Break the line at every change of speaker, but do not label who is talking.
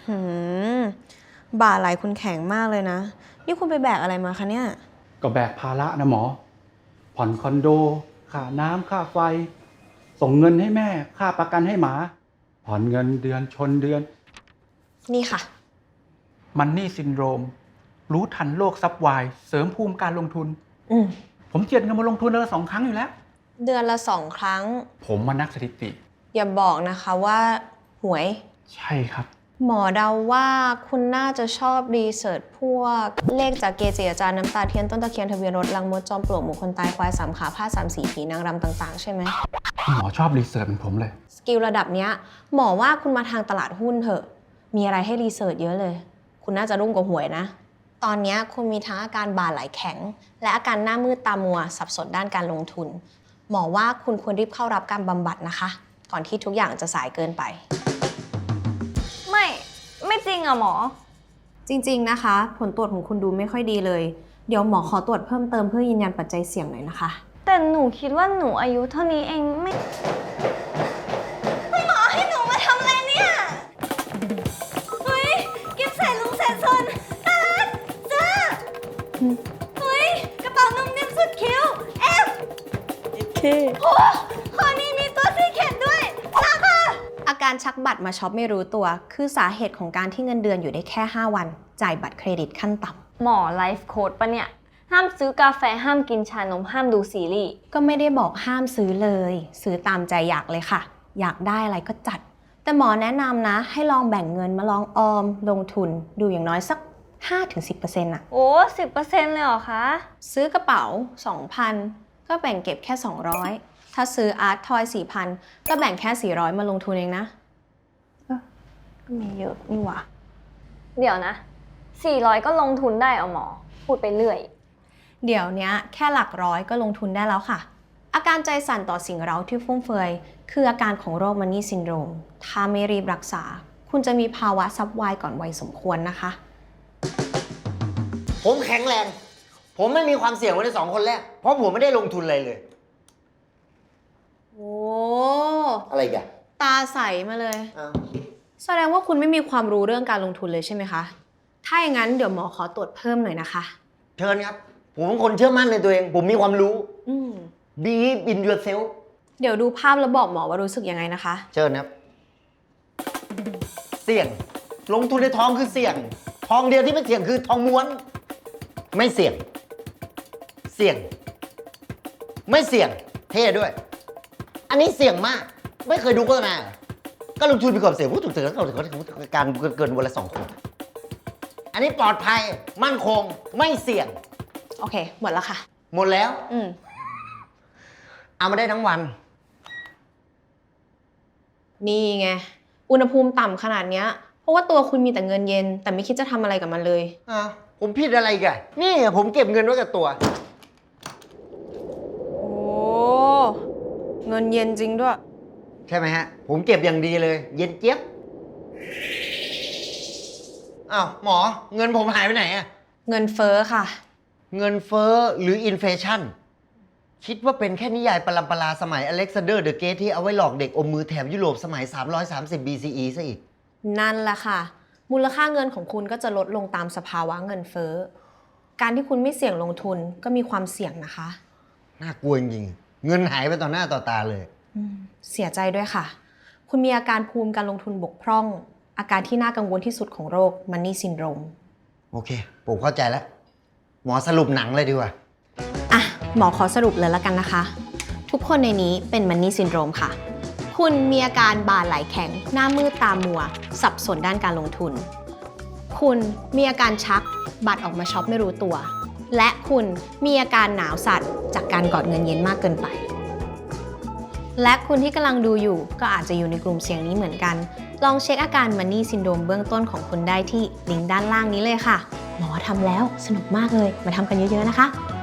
หืมบ่าไหลคุณแข็งมากเลยนะนี่คุณไปแบกอะไรมาคะเนี่ย
ก็แบกภาระนะหมอผ่อนคอนโดค่าน้ำค่าไฟส่งเงินให้แม่ค่าประกันให้หมาผ่อนเงินเดือนชนเดือน
นี่ค่ะ
มันนี่ซินโดรมรู้ทันโลกซับไวเสริมภูมิการลงทุนผมเจียดเงินมาลงทุนเดือนละ2 ครั้งอยู่แล้ว
เดือนละ2 ครั้ง
ผมมานักสถิติ
อย่าบอกนะคะว่าหวย
ใช่ครับ
หมอเดาว่าคุณน่าจะชอบรีเสิร์ชพวกเลขจากเกจิอาจารย์น้ำตาเทียนต้นตะเคียนทะเบียนรถลังมดจอมปลวกหมู่คนตายควาย3 ขาผ้า3 สีผีนางรำต่างๆใช่ไหม
หมอชอบรีเสิร์ชเหมือนผมเลย
สกิลระดับเนี้ยหมอว่าคุณมาทางตลาดหุ้นเถอะมีอะไรให้รีเสิร์ชเยอะเลยคุณน่าจะรุ่งกว่าหวยนะตอนนี้คุณมีทั้งอาการบ่าไหลแข็งและอาการหน้ามืดตามัวสับสนด้านการลงทุนหมอว่าคุณควรรีบเข้ารับการบำบัดนะคะก่อนที่ทุกอย่างจะสายเกินไป
ไม่จริงอะหมอ
จริงๆนะคะผลตรวจของคุณดูไม่ค่อยดีเลยเดี๋ยวหมอขอตรวจเพิ่มเติมเพื่อยืนยันปัจจัยเสี่ยงหน่อยนะคะ
แต่หนูคิดว่าหนูอายุเท่านี้เองไม่คุณหมอให้หนูมาทำอะไรเนี่ยเฮ้ยกิฟใส่ลุงแสนสนน่ารักจ้าเฮ้ยกระเป๋านุ่มนิ่มสุดคิ้วโอ้คอนี้มีตัวซีเค็ดด้วยราคา
อาการชักบัตรมาช็อปไม่รู้ตัวคือสาเหตุของการที่เงินเดือนอยู่ได้แค่5 วันจ่ายบัตรเครดิตขั้นต่
ำหมอไลฟ์โค้ดปะเนี่ยห้ามซื้อกาแฟห้ามกินชานมห้ามดูซีรีส์
ก็ไม่ได้บอกห้ามซื้อเลยซื้อตามใจอยากเลยค่ะอยากได้อะไรก็จัดแต่หมอแนะนำนะให้ลองแบ่งเงินมาลองออมลงทุนดูอย่างน้อยสัก 5-10% อะ
โอ้ 10% เลยเหรอคะ
ซื้อกระเป๋า 2,000 ก็แบ่งเก็บแค่200ถ้าซื้ออาร์ตทอย 4,000 ก็แบ่งแค่400มาลงทุนเองนะก็มีเยอะนี่หว่า
เดี๋ยวนะ400ก็ลงทุนได้เอาหมอพูดไปเรื่อย
เดี๋ยวนี้แค่หลักร้อยก็ลงทุนได้แล้วค่ะอาการใจสั่นต่อสิ่งเร้าที่ฟุ่มเฟือยคืออาการของโรคมันนี่ซินโดรมถ้าไม่รีบรักษาคุณจะมีภาวะซับไวก่อนวัยสมควรนะคะ
ผมแข็งแรงผมไม่มีความเสี่ยงไว้ใน2 คนแรกเพราะผมไม่ได้ลงทุนอะไรเลย
โอ้
อะไรกัน
ตาใสมาเลยแสดงว่าคุณไม่มีความรู้เรื่องการลงทุนเลยใช่ไหมคะถ้าอย่างนั้นเดี๋ยวหมอขอตรวจเพิ่มหน่อยนะคะ
เชิญครับผมเป็นคนเชื่อมั่นในตัวเองผมมีความรู้Believe in yourself
เดี๋ยวดูภาพแล้วบอกหมอว่ารู้สึกยังไงนะคะ
เชิญครับเสี่ยงลงทุนในทองคือเสี่ยงทองเดียวที่ไม่เสี่ยงคือทองม้วนไม่เสี่ยงเสี่ยงไม่เสี่ยงเท่ด้วยอันนี้เสี่ยงมากไม่เคยดูโฆษณาก็ลงทุนมีความเสี่ยงพูดถูกๆการเกินวันละ2 คนอันนี้ปลอดภัยมั่นคงไม่เสี่ยง
โอเคหมดแล้วค่ะ
หมดแล้วเอามาได้ทั้งวัน
นี่ไงอุณหภูมิต่ำขนาดเนี้ยเพราะว่าตัวคุณมีแต่เงินเย็นแต่ไม่คิดจะทำอะไรกับมันเลย
ผมผิดอะไรกันนี่ผมเก็บเงินไว้กับตัว
โอ้เงินเย็นจริงด้วย
ใช่ไหมฮะผมเก็บอย่างดีเลยเย็นเจี๊ยบอ้าวหมอเงินผมหายไปไหนอะ
เงินเฟ้อค่ะ
เงินเฟ้อหรืออินเฟลชั่นคิดว่าเป็นแค่นิยายปรัมปราสมัยอเล็กซานเดอร์เดอะเกรทที่เอาไว้หลอกเด็กอมมือแถบยุโรปสมัย330 BCE ซะอีก
นั่นแหละค่ะมูลค่าเงินของคุณก็จะลดลงตามสภาวะเงินเฟ้อการที่คุณไม่เสี่ยงลงทุนก็มีความเสี่ยงนะคะ
น่ากลัวจริงเงินหายไปต่อหน้าต่อตาเลย
เสียใจด้วยค่ะคุณมีอาการภูมิการลงทุนบกพร่องอาการที่น่ากังวลที่สุดของโรคมันนี่ซินโดรม
โอเคผมเข้าใจแล้วหมอสรุปหนังเลยดีกว่า
หมอขอสรุปเลยแล้วกันนะคะทุกคนในนี้เป็นมันนี่ซินโดรมค่ะคุณมีอาการบ่าไหลแข็งหน้ามืดตามัวสับสนด้านการลงทุนคุณมีอาการชักบัตรออกมาช็อปไม่รู้ตัวและคุณมีอาการหนาวสั่นจากการกอดเงินเย็นมากเกินไปและคุณที่กำลังดูอยู่ก็อาจจะอยู่ในกลุ่มเสี่ยงนี้เหมือนกันลองเช็คอาการมันนี่ซินโดรมเบื้องต้นของคุณได้ที่ลิงก์ด้านล่างนี้เลยค่ะหมอทำแล้วสนุกมากเลยมาทำกันเยอะๆนะคะ